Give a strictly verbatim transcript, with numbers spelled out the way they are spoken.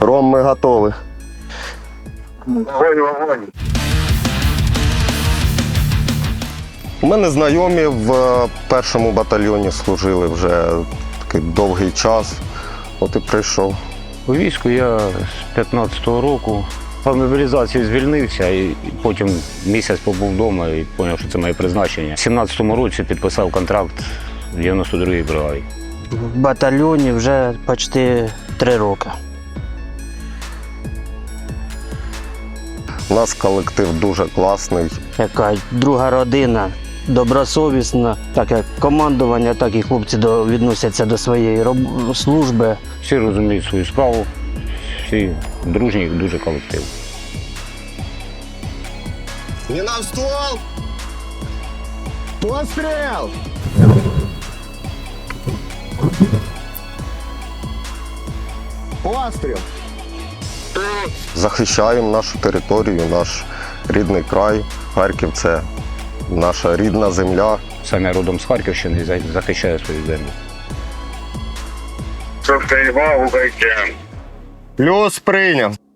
Ром, ми готові. Вогонь, вогонь. У мене знайомі в першому батальйоні служили вже такий довгий час. От і прийшов. У війську я з п'ятнадцятого року по мобілізації звільнився і потім місяць побув вдома і зрозумів, що це моє призначення. У сімнадцятому році підписав контракт в дев'яносто другій бригаді. В батальйоні вже почти три роки. У нас колектив дуже класний. Яка друга родина, добросовісна, так як командування, так і хлопці до, відносяться до своєї роб- служби. Всі розуміють свою справу, всі дружні, дуже колектив. Не на ствол! Постріл! Постріл! Захищаємо нашу територію, наш рідний край. Харків – це наша рідна земля. Сам я родом з Харківщини і за- захищаю свою землю. Щоб ти їбав у байкен. Плюс прийняв.